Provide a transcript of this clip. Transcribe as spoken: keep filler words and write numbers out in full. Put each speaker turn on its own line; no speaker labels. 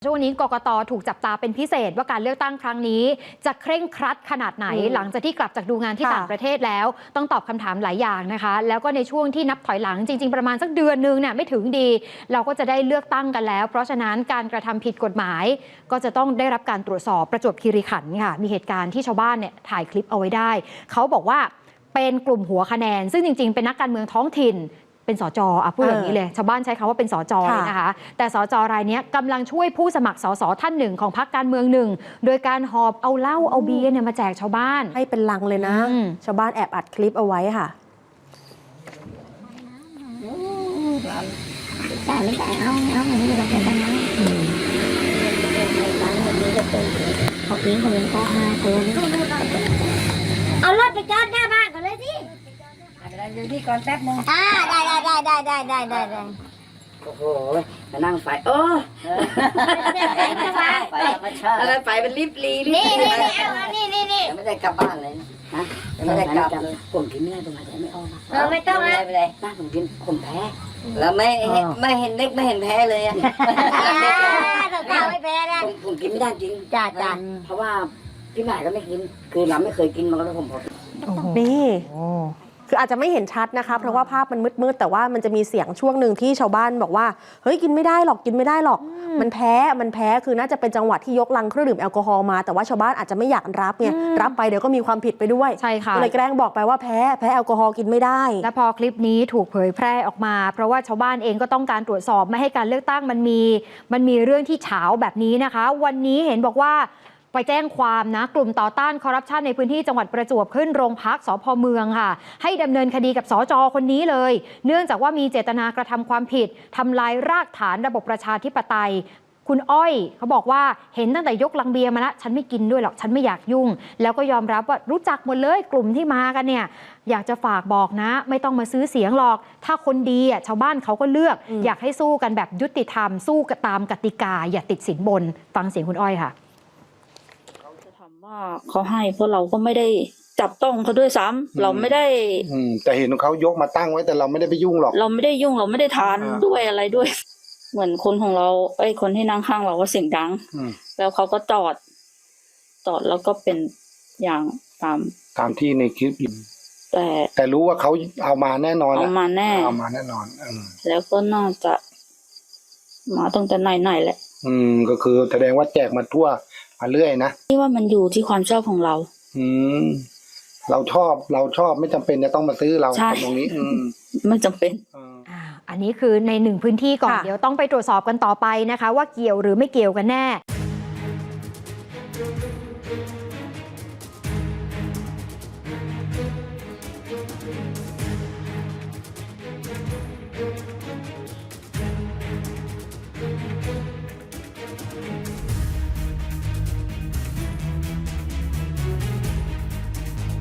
ช่วงนี้กกต.ถูกจับตาเป็นพิเศษว่าการเลือกตั้งครั้งนี้จะเคร่งครัดขนาดไหนหลังจากที่กลับจากดูงานที่ต่างประเทศแล้วต้องตอบคำถามหลายอย่างนะคะแล้วก็ในช่วงที่นับถอยหลังจริงๆประมาณสักเดือนนึงเนี่ยไม่ถึงดีเราก็จะได้เลือกตั้งกันแล้วเพราะฉะนั้นการกระทำผิดกฎหมายก็จะต้องได้รับการตรวจสอบประจวบคีรีขันธ์ค่ะมีเหตุการณ์ที่ชาวบ้านเนี่ยถ่ายคลิปเอาไว้ได้เขาบอกว่าเป็นกลุ่มหัวคะแนนซึ่งจริงๆเป็นนักการเมืองท้องถิ่นเป็นสจอ่ะพูดอย่างนี้เลยชาวบ้านใช้คำว่าเป็นสจเลยนะคะแต่สจรายนี้กำลังช่วยผู้สมัครสสท่านหนึ่งของพรรคการเมืองหนึ่งโดยการหอบเอาเหล้าเอาเบียร์เนี่ยมาแจกชาวบ้าน
ให้เป็นลังเลยนะชาวบ้านแอบอัดคลิปเอาไว้ค่ะ
แต่ไม่แต่เอาเอาอย่างนี้เราเป็นกันนะเขาปีนเขาเป็นพ่อห้าคนเอารถไปจอดหน้าบ้านก่อนเลยสิดูที่ก่อนแป๊บนึงอ่าได้ได้ได้ได้ได้ได้ได้ได้
โอ้โหมานั่งไฟโอ้อะไรไฟเป็นลิบลี
นี่นี่นี่เอานี่นี่นี่
ไม่ได้กลับบ้านเลยนะไม่ได้กลับเลยผมกินไม่ได้ตรงไหนไม่ออก
เออไม่ต้องนะ
ไม่ได้บ้านผมกินผมแพ้แล้วไม่ไม่เห็นเล็กไม่เห็นแพ้เลยอ่ะ
เราไม่แพ้นะ
ผมกินไม่ได้จริง
จ้าจ้า
เพราะว่าพี่หมายก็ไม่กินคือเราไม่เคยกินมาแล้วผมพอ
นี่คืออาจจะไม่เห็นชัดนะคะเพราะว่าภาพมันมืดๆแต่ว่ามันจะมีเสียงช่วงหนึ่งที่ชาวบ้านบอกว่าเฮ้ยกินไม่ได้หรอกกินไม่ได้หรอกมันแพ้มันแพ้คือน่าจะเป็นจังหวะที่ยกลังเครื่องดื่มแอลกอฮอล์มาแต่ว่าชาวบ้านอาจจะไม่อยากรับไงรับไปเดี๋ยวก็มีความผิดไปด้วย
ใช่ค่ะ
เลยแกล้งบอกไปว่าแพ้แพ้แอลกอฮอล์กินไม่ได้
และพอคลิปนี้ถูกเผยแพร่ออกมาเพราะว่าชาวบ้านเองก็ต้องการตรวจสอบไม่ให้การเลือกตั้งมันมีมันมีเรื่องที่เฉาแบบนี้นะคะวันนี้เห็นบอกว่าไปแจ้งความนะกลุ่มต่อต้านคอร์รัปชันในพื้นที่จังหวัดประจวบขึ้นโรงพักสภ.เมืองค่ะให้ดำเนินคดีกับสจ.คนนี้เลยเนื่องจากว่ามีเจตนากระทำความผิดทำลายรากฐานระบบประชาธิปไตยคุณอ้อยเขาบอกว่าเห็นตั้งแต่ยกลังเบียร์มาแล้วฉันไม่กินด้วยหรอกฉันไม่อยากยุ่งแล้วก็ยอมรับว่ารู้จักหมดเลยกลุ่มที่มากันเนี่ยอยากจะฝากบอกนะไม่ต้องมาซื้อเสียงหรอกถ้าคนดีอ่ะชาวบ้านเขาก็เลือก อ, อยากให้สู้กันแบบยุติธรรมสู้ตามกติกาอย่าติดสินบนฟังเสียงคุณอ้อยค่ะ
ว่าเขาให้เพราะเราก็ไม่ได้จับต้องเขาด้วยซ้ำเราไม่ได้
แต่เห็นเขายกมาตั้งไว้แต่เราไม่ได้ไปยุ่งหรอก
เราไม่ได้ยุ่งเราไม่ได้ทานด้วยอะไรด้วยเหมือนคนของเราไอ้คนที่นั่งข้างเราก็เสียงดังแล้วเขาก็จอดจอดแล้วก็เป็นอย่างตาม
ตามที่ในคลิป
แต่
แต่รู้ว่าเขาเอามาแน่นอน
เอามาแน่
เอามาแน่นอน
แล้วก็น่าจะมาตั้งแต่ไหนๆแหละ
อืมก็คือแสดงว่าแจกมาทั่วมาเรื่อยนะ
ที่ว่ามันอยู่ที่ความชอบของเรา
อืมเราชอบเราชอบไม่จำเป็นจะต้องมาซื้อเราตรงนี้อืม
ไม่จำเป็น
อ่าอันนี้คือในหนึ่งพื้นที่ก่อนเดี๋ยวต้องไปตรวจสอบกันต่อไปนะคะว่าเกี่ยวหรือไม่เกี่ยวกันแน่